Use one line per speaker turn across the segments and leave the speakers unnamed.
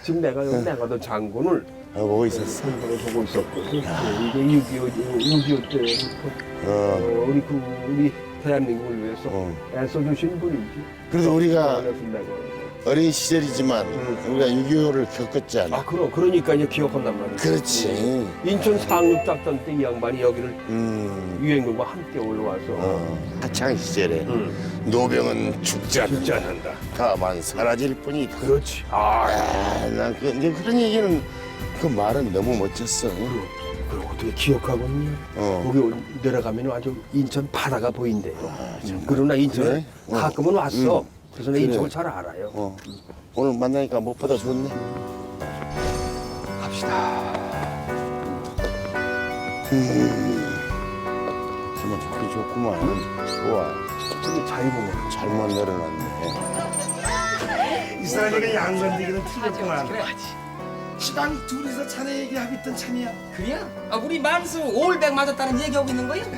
지금 내가 여기 내가도 장군을
보고 있었어.
장군을 보고 있었고 이게 6.25 때부터 우리 대한민국을 위해서 애써주신 분이지.
그래도 우리가
내가.
어린 시절이지만 우리가 6.25를 겪었잖아.
아 그러니까 이제 기억한단 말이야.
그렇지.
인천 상륙작전 때 이 양반이 여기를 유엔군과 함께 올라와서
하창 시절에 노병은 죽지 않는다. 다만 사라질 뿐이다.
그렇지.
난 이제 그런 얘기는 그 말은 너무 멋졌어.
그걸 어떻게 기억하고 있냐? 거기 내려가면 아주 인천 바다가 보인대요. 그러나 인천에
그래?
가끔은 왔어. 그래서 내 인천을 잘 알아요.
오늘 만나니까 무엇보다 좋네.
갑시다.
정말 좋긴 좋구만. 좋아.
저기 자유공원.
잘못 내려놨네.
이스라엘이가 양건데기는 틀렸구만. 시방 둘이서 자네 얘기하고 있던 참이야.
그래야? 우리 만수 올백 맞았다는 얘기하고 있는 거야?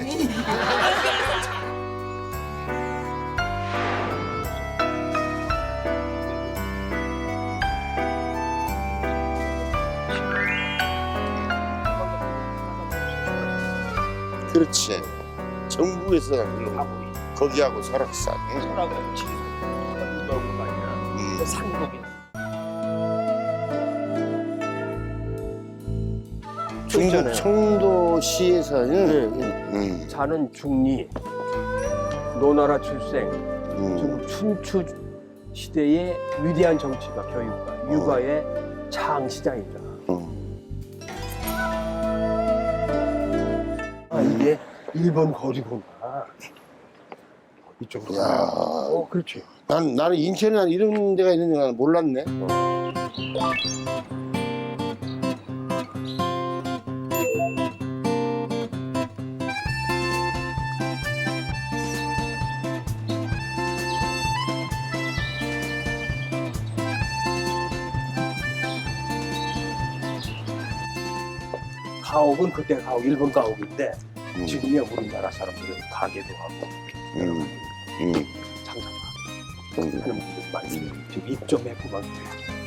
그렇지. 정부에서 거기하고 설악산.
소라고 치고 넓은 거 아니야. 상록이.
중국 청도시에서는
자는 중리, 노나라 출생, 중국 춘추 시대의 위대한 정치가 교육가, 육아의 창시장이잖아. 이게 일본 거리구나. 이쪽으로.
야.
그렇지.
나는 인천에 난 이런 데가 있는 줄 몰랐네.
가옥은 그때 가옥 일본 가옥인데 지금이야 우리나라 사람들은 가게도 하고 장사하고 하는 분들 많이 지금 입점했고 막